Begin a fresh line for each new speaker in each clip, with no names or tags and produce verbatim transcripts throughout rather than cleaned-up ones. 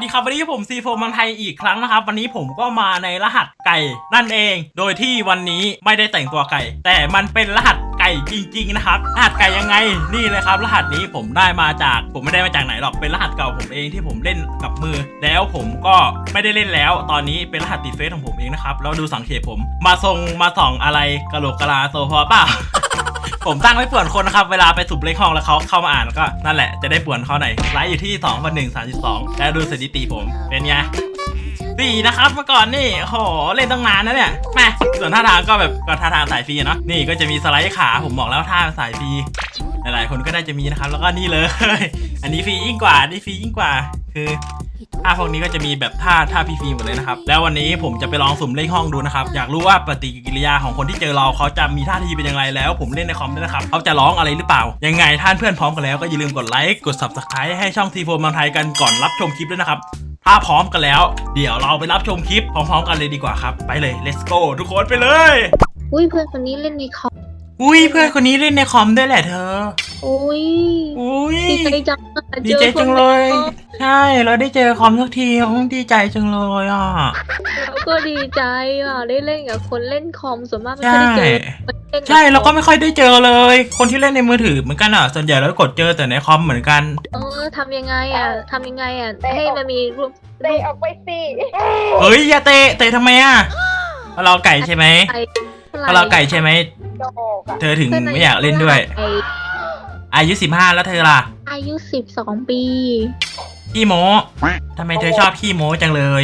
ดีครับวันนี้ผมซีโฟมันไทยอีกครั้งนะครับวันนี้ผมก็มาในรหัสไก่นั่นเองโดยที่วันนี้ไม่ได้แต่งตัวไก่แต่มันเป็นรหัสไก่จริงๆนะครับรหัสไก่ยังไงนี่เลยครับรหัสนี้ผมได้มาจากผมไม่ได้มาจากไหนหรอกเป็นรหัสเก่าผมเองที่ผมเล่นกับมือแล้วผมก็ไม่ได้เล่นแล้วตอนนี้เป็นรหัสติดเฟซของผมเองนะครับแล้วดูสังเกตผมมาทรงมาส่องอะไรกะโหลกกะลาโซฟาเปล่า ผมตั้งไว้ป่วนคนนะครับเวลาไปสุบเลขห้องแล้วเขาเข้ามาอ่านก็นั่นแหละจะได้ป่วนเขาหน่อยไลฟ์อยู่ที่สองพันหนึ่ง สามสิบสองแล้วดูสถิติผมเป็นไงดีนะครับเมื่อก่อนนี่โหเล่นตั้งนานนะเนี่ยแม่ส่วนท่าทางก็แบบก็ท่าทางสายฟรีเนาะนี่ก็จะมีสไลด์ขาผมบอกแล้วท่าสายฟรีหลายๆคนก็ได้จะมีนะครับแล้วก็นี่เลยอันนี้ฟรียิ่งกว่านี่ฟรียิ่งกว่าคือท่าพวกนี้ก็จะมีแบบท่าท่าฟรีๆหมดเลยนะครับแล้ววันนี้ผมจะไปลองสุ่มเลขห้องดูนะครับอยากรู้ว่าปฏิกิริยาของคนที่เจอเราเขาจะมีท่าทีเป็นยังไงแล้วผมเล่นในคอมด้วยนะครับเขาจะร้องอะไรหรือเปล่ายังไงท่านเพื่อนพร้อมกันแล้วก็อย่าลืมกดไลค์กด ซับสไครบ์ ให้ช่องทีโฟมเมืองไทยกันก่อนรับชมคลิปด้วยนะครับถ้าพร้อมกันแล้วเดี๋ยวเราไปรับชมคลิปพร้อมๆกันเลยดีกว่าครับไปเลย let's go ทุกคนไปเลย
อุ้ยเพื่อนคนนี้เล่นในคอม
อุ้ยเพื่อนคนนี้เล่นในคอมด้วยแหละเธอ
อุ้ย
อุ้ย
ดีใจจัง
ดีใจจังเลยใช่เราได้เจอคอมสักทีดีใจจังเลยอ่ะ
เราก็ดีใจอ่ะได้เล่นกับคนเล่นคอมส่วนมากไม่ค่อยได้เจอ
ใช่เราก็ไม่ค่อยได้เจอเลยคนที่เล่นในมือถือเหมือนกันอ่ะส่วนใหญ่เรากดเจอแต่ในคอมเหมือนกัน
เออทำยังไงอ่ะทำยังไงอ่ะให้มันมีรูป
เตะออกไปสิ
เฮ้ยอย่าเตะเตะทำไมอ่ะเราไก่ใช่ไหมเราไก่ใช่ไหมเธอถึงไม่อยากเล่นด้วยอายุสิบห้าแล้วเธอล่ะ
อายุสิบสองปี
ขี้โม้ทำไมเธอชอบขี้โม้จังเลย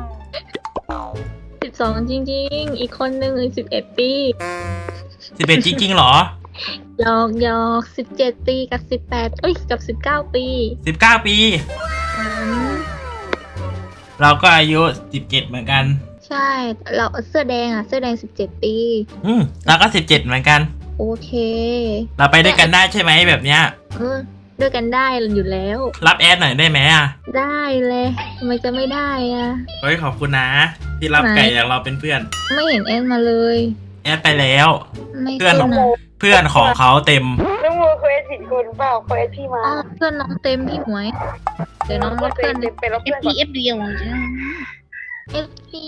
สิบสองจริงๆอีกคนหนึ่งสิบเอ็ดปี
สิบเอ็ดจริงๆหรอ
หยอกหยอกสิบเจ็ดปีกับสิบแปดเอ้ยกับสิบเก้าปี
สิบเก้าปีเราก็อายุสิบเจ็ดเหมือนกัน
ใช่เราเสื้อแดงอ่ะเสื้อแดงสิบเจ็ดปี
อืมเราก็สิบเจ็ดเหมือนกัน
โอเค
เราไปด้วยกันได้ใช่ไหมแบบเนี้ย
เออด้วยกันได้อยู่แล้ว
รับแอดหน่อยได้ไหมอ่ะ
ได้เลยทำไมจะไม่ได้อ่ะ
เฮ้ยขอบคุณนะที่รับไก่อย่างเราเป็นเพื่อน
ไม่เห็นแอดมาเลย
แอดไปแล้วเพื่อนเพื่อนของเขาเต็ม
น้องมูเคยผิดคนเปล่าเคยพี่มา
เพื่อนน้องเต็มพี่หมวยเดี๋ยวน้องรับเพื่อน
ไปรับเพื่อนก่อน
เอฟดีเอฟดีเอฟดี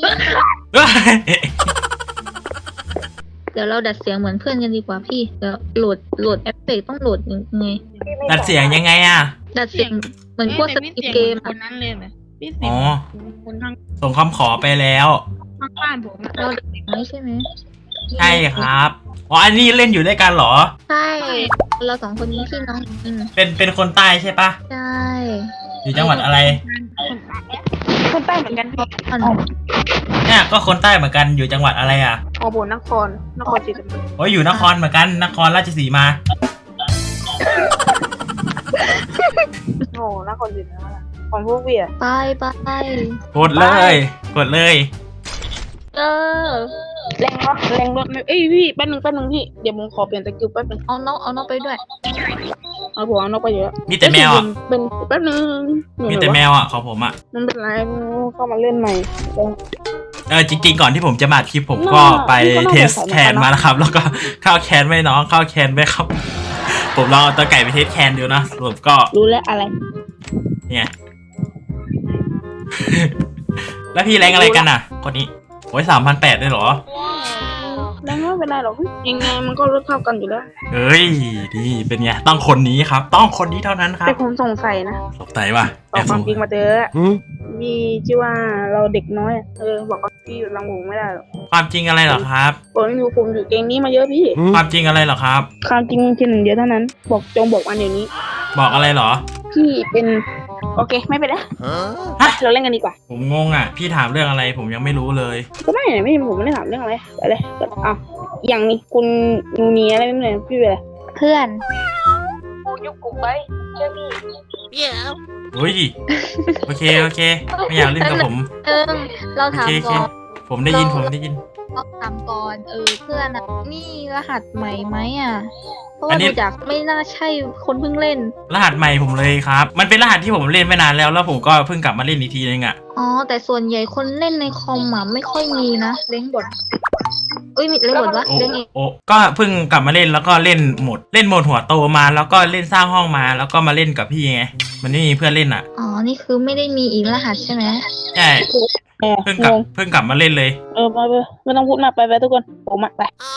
เดี๋ยวเราดัดเสียงเหมือนเพื่อนกันดีกว่าพี่เดี๋ยวโหลดโหลดแอปเปิลต้องโหลดยังไง
ดัดเสียงยังไงอ่ะ
ดัดเสียงเหมือนพวกสกิปเกม
คนนั้นเลยไหมพี่สิ
อ๋อ
คนทาง
ส่งคำขอไปแล้ว
ข้างบ้านผม
เราดัดเสียงไม่ใช่ไหม
ใช่ครับอ๋ออันนี้เล่นอยู่ด้วยกันเหรอ
ใช่เราสองคนนี้พี่น้อง
เป็นเป็นคนใต้ใช่ปะ
ใช่
อยู่จังหวัดอะไร
คนใต้เหมือนกันพี่
เนี่ยก็คนใต้เหมือนกันอยู่จังหวัดอะไรอ่ะ
อ๋อบนนครนครศรีธรรมราช
โอ้ยอยู่นครเหมือนกันนครราชสีมา
โอ้นครศรีธรรมราชของพวกเวีย
ไปไป
กดเลยกดเลย
เออ
แรงรถแรงรถเอ้ยพี่แป๊บนึงแป๊บนึงพี่เดี๋ยวผมขอเปลี่ยนตะกิ้วแป๊บนึง
เอาน้องเอาน้องไปด้วย
เอาผมเอาน้องไปเยอะ
มีแต่แมวอ่ะ
เป็นแป๊บนึง
มีแต่แมวอ่ะของผมอ่ะ
มันเป็นไรเข้ามาเล่นใหม่
เออจริงๆก่อนที่ผมจะมาคลิปผมก็ไปเทสแคนมานะครับแล้วก็เข้าแคนไม่น้องเข้าแคนไม่ครับผมลองตัวไก่ไปเทสแคนดูนะสรุปก็
รู้แล้วอะไร
เนี่ยแล้วพี่แรงอะไรกันอ่ะคนนี้โอ้ยสามพันแปดได้หรอ
แรงไม่เป็นไรหรอกยังไงมันก็ลดเท่ากันอยู่แล้ว
เฮ้ยดีเป็นไงต้องคนนี้ครับต้องคนนี้เท่านั้นครับ
แต่ผมสงสัยนะ
สงสัยว่ะ
ออกความจริงมาเจอมีชื่อว่าเราเด็กน้อยเออบอกว่าพี่อยู่ลำวงไม่ได้หรอก
ความจริงอะไรเหรอครับ
ผมอยู่ผมอยู่เกมนี้มาเยอะพี่
ความจริงอะไรเหรอครับ
ความจริงแค่หนึ่งเดียวเท่านั้นบอกจงบอกอันเดี๋ยวนี้
บอกอะไรเหรอ
พี่เป็นโอเคไม่เป็นไรเราเล่นกันดีกว่า
ผมงงอ่ะพี่ถามเรื่องอะไรผมยังไม่รู้เลย
ก็ไม่ไม่ผมไม่ได้ถามเรื่องอะไรไปเลยอ้าวอย่างนี้คุณนูนีอะไรไม่เหมือนพี่เลย
เพื่อน
กูยุบกลุ่มไปเชื่อพี่
เดี๋ยว
โอ้ยโอเคโอเคไม่อยากเล่นกับผม
เออเราถามก่อน
ผมได้ยินผมได้ยิน
เราถามก่อนเออเพื่อนอ่ะนี่รหัสใหม่ไหมอ่ะเพราะว่าดูจากไม่น่าใช่คนเพิ่งเล่น
รหัสใหม่ผมเลยครับมันเป็นรหัสที่ผมเล่นไม่นานแล้วแล้วผมก็เพิ่งกลับมาเล่นอีกทีนึงอ่ะ
อ๋อแต่ส่วนใหญ่คนเล่นในคอมอ่ะไม่ค่อยมีนะเล้งบทอุ้ยมีเล่นหมดวะ
โอ้
เล่นเอง
โอ้ก็เพิ่งกลับมาเล่นแล้วก็เล่นหมดเล่นโหมดหัวโตมาแล้วก็เล่นสร้างห้องมาแล้วก็มาเล่นกับพี่ไงมันไม่มีเพื่อนเล่นอ่ะ
อ๋อนี่คือไม่ได้มีอีกรหัสใช่ไหม
ใช่
เออ
เพิ่งกลับ
งง
เพิ่งกลับมาเล่นเลย
เออมาไปไม่ต้องพูดมากไปไปทุกคนผมอะไป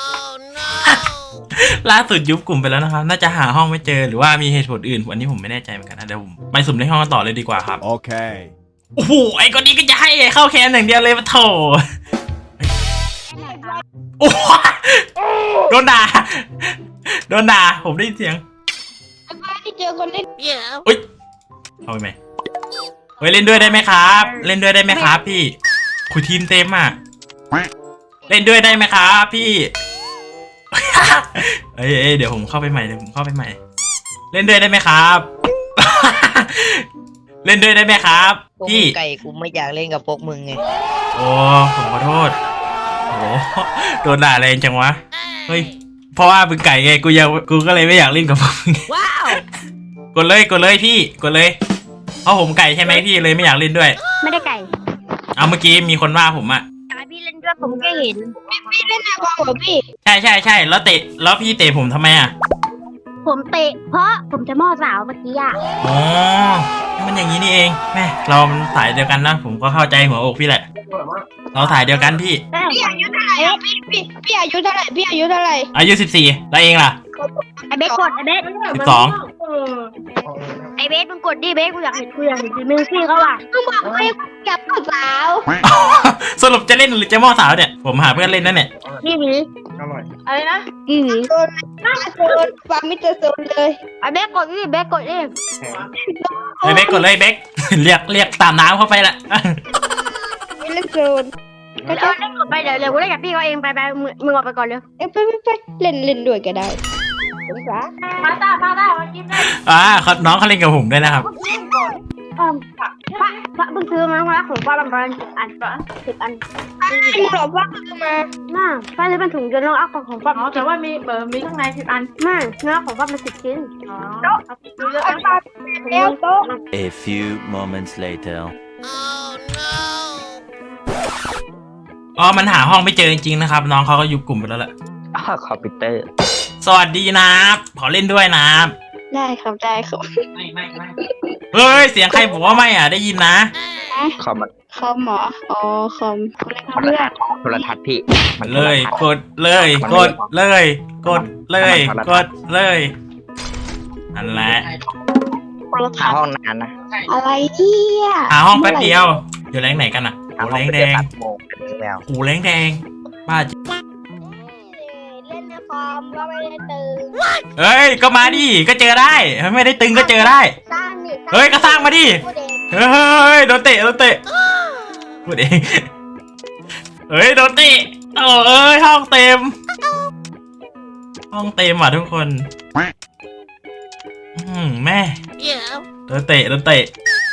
ล่าสุดยุบกลุ่มไปแล้วนะครับน่าจะหาห้องไม่เจอหรือว่ามีเหตุผลอื่นวันนี้ผมไม่แน่ใจเหมือนกันนะเดี๋ยวผมไปสุ่มในห้องกันต่อเลยดีกว่าครับ
Okay.
โอ้โหไอ้คนนี้ก็จะให้เข้าแคนอย่างเดียวเลยปะโถโอ้โหโดนด่าโดนด่าผมได้ยินเสียง
ที่เจอคนเล่น
อุ้ยเอาไปไหมเฮ้ยเล่นด้วยได้ไหมครับ เล่นด้วยได้ไหมครับพี่คุยทีมเต็มอ่ะเล่นด้วยได้ไหมครับพี่ เอ้ยเอ้ยเดี๋ยวผมเข้าไปใหม่เดี๋ยวผมเข้าไปใหม่ เล่นด้วยได้ไหมครับ เล่นด้วยได้ไหมครับ
พวก
พี่
มึงไก่กูไม่อยากเล่นกับพวกมึงไง
โอ้ผมขอโทษโอ้โหโดนด่าแรงจังวะเฮ้ยเพราะว่ามึงไก่ไงกูยังกูก็เลยไม่อยากเล่นกับพวกมึง
ว้าว
กดเลยกดเลยพี่กดเลยเพราะผมไก่ใช่ไหมพี่เลยไม่อยากเล่นด้วย
ไม่ได้ไก่
เอาเมื่อกี้มีคนว่าผมอะ
อยากให้พี่เล่นด้วยผมก็เห็น
พี่เล่นนาคอมเหรอพี่
ใช่ใช่ใช่แล้วเตะแล้วพี่เตะผมทำไมอะ
ผมเตะเพราะผมจะม่อสาวเมื่อกี้อ่ะ
อ๋อมันอย่างนี้นี่เองแม่เรามันสายเดียวกันนะผมก็เข้าใจหัวอกพี่แหละเราสายเดียวกันพี่
พี่อายุเท่าไหร่อะพี่พี่พี่อายุเท่าไหร่พี่อายุเท่าไหร่
อายุสิบสี่แล้วเองล่ะ
ไอเบสกดไอเบส
สิบสอง
ไอเบสมึงกดดิเบสกูอยากเห็นกูอยากเห็นมือซี่เขาอ่ะมึงบอกให้กับสาว
สรุปจะเล่นหรือจะม่อสาวเนี่ยผมหาเพื่อนเล่นนั่นเนี่ย
นี่หวี
อะไรนะ
นี่หวี
โซนโซนฟาร์มิเตอร์โซนเลย
ไอเบสกดดิเบสกดดิ
เฮ้ยเบคกดเลยเบค เรียกเรียกตามน้ำเข้าไปละ
ไม่เล่นโซน
เดี๋ยวเล่นกดไปเดี๋ยวเดี๋ยวกูเล่นกับพี่เขาเองไปไปมึงมึงออกไปก่อนเร็ว
เอ้ยไปไปไปเล่นเล่นด้วยก็ได้สงสาร
มาตามาตามากินได้
อ่าเขาน้องเขาเล่นกับผมด้วยนะครับ
พระพระเพิ่งซื้อมาพระของป้าประมาณสิบอันปะสิบอัน
จริงเหรอว่ามา
น่าป้าซื้อเป็นถุงจนน้องเอาของป้า
อ๋อแต่ว่ามีเบอร์มีข้างในสิบอัน
น่าเนื้อของป้าเป็นสิบชิ้น
อ๋อเอาดูเยอะ
เอา
นะ
ปลาแล้วโต๊ะ
A few moments later.
อ๋อมันหาห้องไม่เจอจริงๆนะครับ น้องเขาก็ยุบกลุ่มไปแล้วแหละ
อ้าวคอมพิวเตอร์
สวัสดีนะขอเล่นด้วยนะ
ได้ครับได้ครับ
ไม่ไม่ไม่เฮ้ยเสียงใครบอกว่าไม่อ่ะได้ยินนะ
คอม
คอมเหรออ๋อคอม
โทรทัศน์โทรทัศน์พี่มัน
เลย กดเลย กดเลย กดเลย กดเลยนั่นแหละ
หาห้องนานนะ
อะไรเนี่ย
หาห้องแป๊บเดียวอยู่แรงไหนกันอ่ะ
หา
โอ้
ห้อ
แรง ง
ไป
แด
เดือน
ง
ตัดโมงแมว
หูแรงแดงบ้าจริง
เล่นในคอมก็ไม่ได้ตื่น
เฮ้ยก็มาดิก็เจอได้ไม่ได้ตึงก็เจอได้
สร้างนี่
เฮ้ยก็สร้างมาดิ
พูดเอง
เฮ้ยโดนเตะโดนเตะพูดเองเฮ้ยโดนเตะโอ้เอ้ยห้องเต็ม ห้องเต็มอ่ะทุกคนอืมแม่โดนเตะโดนเตะ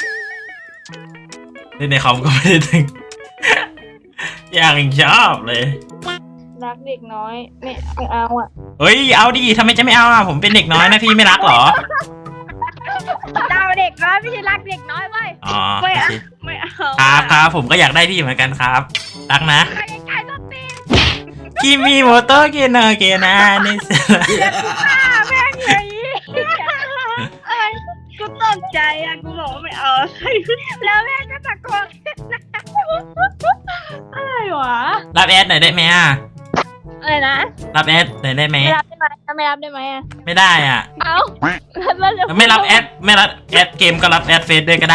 เล่นในคอมก็ไม่ได้ถึง อย่างชอบเลย
รักเด็กน้อยไม่ไม่เอาอ่ะ
เฮ้ยเอาดิทำไมจะไม่เอาอ่ะผมเป็นเด็กน้อยนะพี่ไม่รักเหรอ
เราเด็กน้อยไม่ใช่รักเด็กน้อยเว้ย
อ๋อ
ไม่เอา
โอเค
ไม่เอา
ครับครับผมก็อยากได้พี่เหมือนกันครับ รักนะ
ใครใครต้องตี
คิมิโมโตะเกนะเกนะนี่สิ
แม่งเลยเอ้ยกูตกใจอ่ะกูบอกว่าไม่เอาแล้วแม่งก็ตะโกนอะไรวะ
รับแอดหน่อยได้ไหมอ่ะ
อะไรนะ
รับแอดหน่อยได้ไหม
ไม่รับได้ไหมไม่รับได้ไหมอ่ะ
ไม่ได้อ่ะ
เอาแล้วจะ
ไม่รับแอดไม่รับแอดเกมก็รับแอดเฟซด้วยก็ได้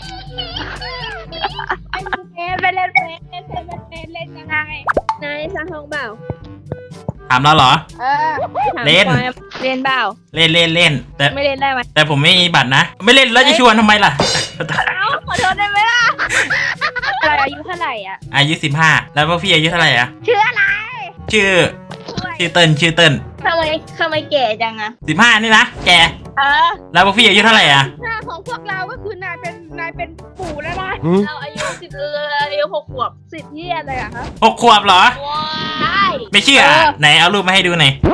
ไปเล่นเฟซเล่นเฟซเล่นเฟซเล่นยังไงนายสร้างห้องเปล่า
ถามเราเหรอ
เออ
เล่น
เล่นเปล่า
เล่นเล่นเล่นแต่
ไม่เล่นได้ไหม
แต่ผมไม่มีบัตรนะ ไม่เล่นแล้วจะชวนทำไมล่ะ
เอาขอโทษได้ไหมล่ะอะไรอายุเท่าไหร่อ่ะ
อายุสิบห้าแล้วพวกพี่อายุเท่าไหร่อ่ะ
ชื่ออะไร
ชื่อชื่อเติ้ลชื่อเติ้ล
ทำไมทำไมแก่จังอะ
สิบห้านี่นะแก
เออ
แล้วพวกพี่อายุเท่าไหร่อ่ะ
หน้าของพวกเราก็คือนายเป็นนายเป็นปู่แล้วนะ
Hmm?
เราอายุสิบเอออายุหกขวบสิบเยี่ยอะไรอะคะ
หกขวบเหรอ
ใช่
ไม่เชื่ออ่ะไหนเอารูปมาให้ดูหน่อย
เอ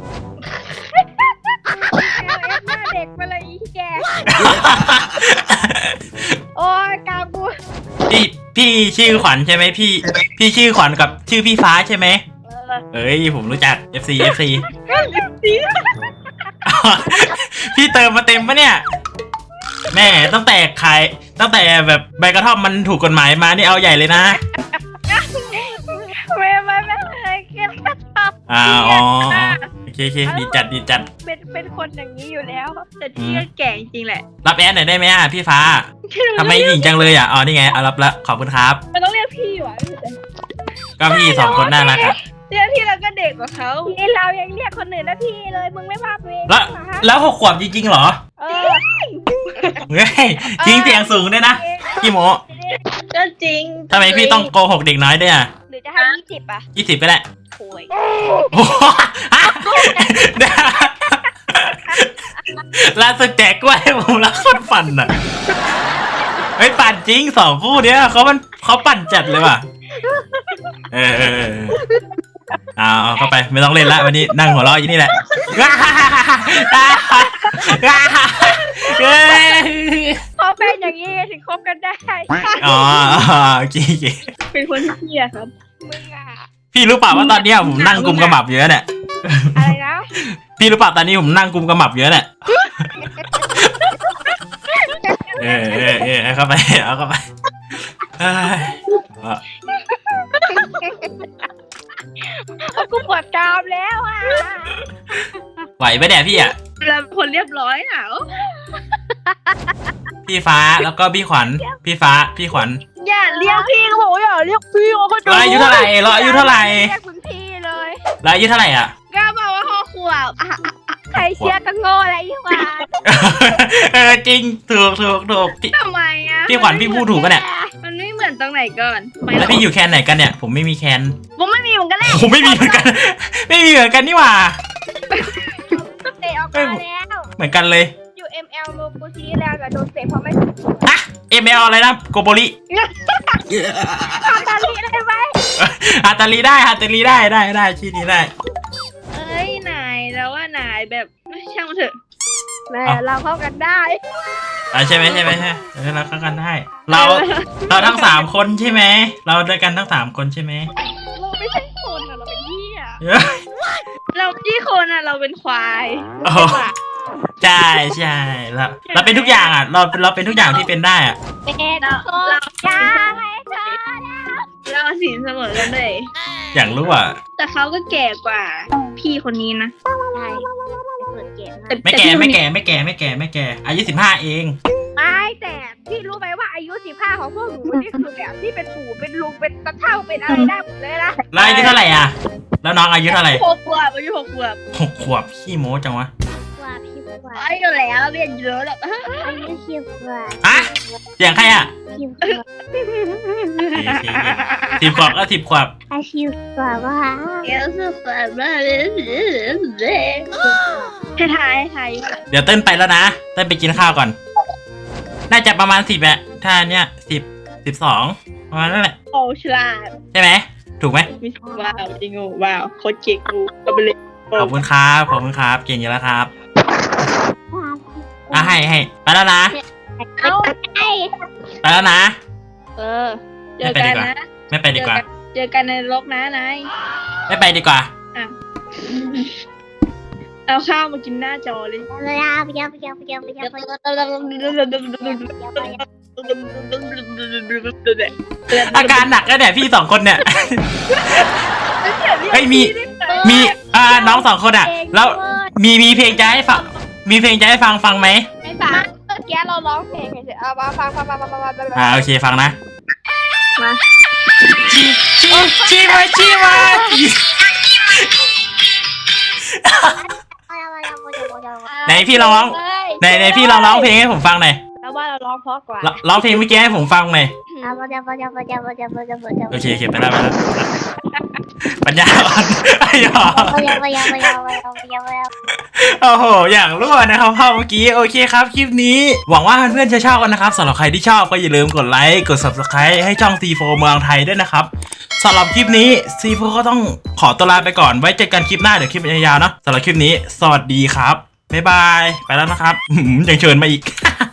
ลเอฟหน้าเด็กไปเลยอีแกโอ้ยกาบู
พี่พี่ชื่อขวัญใช่ไหมพี่ พี่ชื่อขวัญกับชื่อพี่ฟ้าใช่ไหมเอ้ยผมรู้จัก เอฟ ซี เอฟ ซี พี่เติมมาเต็มปะเนี่ยแม่ตั้งแต่ขายตั้งแต่แบบใบกระท่อมมันถูกกฎหมายมานี่เอาใหญ่เลยนะ
ไม่ไม่ไม่เคยเก็บกระทำ
อ่าอ๋อโอเคโอเคดีจัดดีจัด
เป็นเป็นคนอย่างนี้อยู่แล้วแต่ที่ก็แก่จริงแหละ
รับแอดหน่อยได้ไหมอ่ะพี่ฟ้าทำไมหญิงจังเลยอ่ะอ๋อนี่ไงเอารับละขอบคุณครับ
มันต้องเรียกพี่วะ
ก็พี่สองคนน่ารักอ่ะ
เรียกพี่เราก็เด็กกว่าเขาพี่เรายังเรียกคนอื่นนะพี่เลยมึงไม่ว่าตัวเอง
แล้วแล้วหกขวบจริงๆเหรอ
เออ
เฮ้ยจริงเสียงสูงด้วยนะพี่โม
ก็จริง
ทำไมพี่ต้องโกหกเด็กน้อยด้วยอ่ะ
หรือจะให้ยี่สิบอ่ะ
ยี่สิบก็ได้
โวย
โอ้โหล่าสุดแจกกล้วยให้ผมแล้วคนปั่นอ่ะเฮ้ยปั่นจริงสองคู่เนี้ยเขามันเขาปั่นจัดเลยว่ะเออเออเออเอาเอาเข้าไปไม่ต้องเล่นละวันนี้นั่งหัวเราะอยู่นี่แหละเฮ้ย
พอเป็นอย่างนี้ถึงคบกันได้
อ๋อโอเคโอเค
เป็นคนที่เหี้ยครับมึงอ่ะ
พี่รู้เปล่าว่าตอนเนี้ยผมนั่งกุมกระหมับเยอะเนี่ย
อะไรนะ
พี่รู้เปล่าตอนนี้ผมนั่งกุมกระหมับเยอะเนี่ยเออเออเออเอาเข้าไปเอาเข้าไปเอ้ย
กูปวดกรามแล้วอ่ะ
ไหวปะเนี่ยพี่อ่ะ
เราเป็นคนเรียบร้อยอ่ะ
พี่ฟ้าแล้วก็พี่ขวัญพี่ฟ้าพี่ขวัญ
อย่าเรียกพี่เขาบอกว่าอย่าเรียกพี่เขาก็
เราอายุเท่าไหร่เราอายุเท่าไหร่
เรียกมึงพี่เลย
เราอายุเท่าไหร่อ่ะ
ก็บอกว่าหกขวบอ่ะอ่ะอ่ะใครเชื่อก็โง่อะไรดีกว่า
เออจริงถูกถูกถูกพี่
ทำไมอ่ะ
พี่ขวัญพี่พูดถูกปะเนี่ย
มันไม่เหมือนตรงไหนก่อนไม่
แล้วพี่อยู่แคนไหนกันเนี่ยผมไม่มีแคน
ผมไม่มีเหมือนกันเลย
ผมไม่มีเหมือนกัน ไม่มีเหมือนกันนี่หว่า
เตะออกมาแล้ว
เหมือนกันเลย
อยู่ เอ็ม แอล โลกูซีแล้วแต่โดนเตะเพราะไม่
ฮะ เอ็ม แอล อะไรนะโกโบริ
ทำตาลีได้ไหม
ฮาตาลีได้ฮาตาลีได้ได้ได้ชื่อนี้ได้
เอ้ยนายแล้วว่านายแบบช่างมันเถอะแม่
เอ้า
เราเข้ากันได้
อ่าใช่ไหมใช่ไหมใช่เออเราเข้ากันได้ เราเราทั้งสามคนใช่ไหมเราด้วยกันทั้งสามคนใช่ไหม
เราไม่ใช่คนอ่ะเราเป็นเหี้ย
เอ้ย
เราที่คนอ่ะเราเป็นควาย
โอ้ใช่ใช่เราเราเป็นทุกอย่างอ่ะ เราเราเป็นทุกอย่างที่เป็นได้อ่ะ
เป็นคนเราจ้าไอ้เธอเราสินเสมอกันเลย
อยากรู้อ่ะ
แต่เขาก็แก่กว่าพี่คนนี้นะใช่เปิดแก่
ไม่แก่ไม่แก่ไม่แก่ไม่แก่ไม่แก่อายุสิบห้าเอง
ไม่แต่พี่รู้ไหมว่าอายุสิบห้าของพวกหนูนี่คือแบบที่เป็นปู่เป็นลุงเป็นตาเฒ่าเป็นอะไรได้หมดเลยนะ
แล้วอายุเท่าไหร่อ่ะ แล้วน้องอายุเท่าไหร่
หกขวบอายุหกขวบ
หกขวบขี้โม้จังวะ
ว่าพี่ว่า
อายุแล้วเรียนเยอะแล้ว
อายุสิบกว่า
อะเสียงใครอ่ะ
สิบกว่า
สิบขวบก็สิบขวบ
อาชีพกว่าว่า
เอลสุดแบบให้ทายให้ทาย
เดี๋ยวเต้นไปแล้วนะเต้นไปกินข้าวก่อน น่าจะประมาณสิบอะถ้าเนี้ยสิบสิบสองประมาณนั่นแหละ
โอ้ฉลาด
ใช่ไหมถูกไหม
มิสว้าวจริงโอ้ว้าวโคตรเก่งกูก็ไปเลย
ขอบคุณครับขอบคุณครับเก่งอยู่แล้วครับอ่ะให้ให้ไปแล้วนะ
เอาไอ้
ไปแล้วนะ
เออเจอกันนะ
ไม่ไปดีกว่า
เจอกันในโลกนะนาย
ไม่ไปดีกว่า
เอาข้าวมากินหน้าจอเลย
เวลาไปยังไปยังไปยังไปยังไปยัง
อาการหนักแล้วเนี่ยพี่สองคนเนี่ย เฮ้ยมี มีอ่าน้องสองคนอ่ะ แล้วมีมีเพลงจะให้ฟังมีเพลงจะให้ฟังฟังไหม
ไม่ฟังเมื่อกี้เราร้องเพลงเฉยๆเอามาฟังฟังฟังฟังฟังฟัง
อ่าโอเคฟังนะ
มา
ชีชีชีมาชีมาไหนพี่ลองร้องไหนไหนพี่ลองร้องเพลงให้ผมฟังหน่อย
แล้วว่าเราร้องเพราะกว่า
ร้องร้องเพลงเมื่อกี้ให้ผมฟังหน่อย โอเคโอเคไปแล้วไปแล้วปัญญาอ่อนไอ้หรอโอ้โหอย่างรั่วนะครับพ่อเมื่อกี้โอเคครับคลิปนี้หวังว่าเพื่อนๆจะชอบกันนะครับสำหรับใครที่ชอบก็อย่าลืมกดไลค์กด ซับสไครบ์ ให้ช่อง ซี โฟร์ เมืองไทยด้วยนะครับสำหรับคลิปนี้ ซี โฟร์ ก็ต้องขอตัวลาไปก่อนไว้เจอกันคลิปหน้าเดี๋ยวคลิปยาวๆเนาะสำหรับคลิปนี้สวัสดีครับบ๊ายบายไปแล้วนะครับยังเชิญมาอีก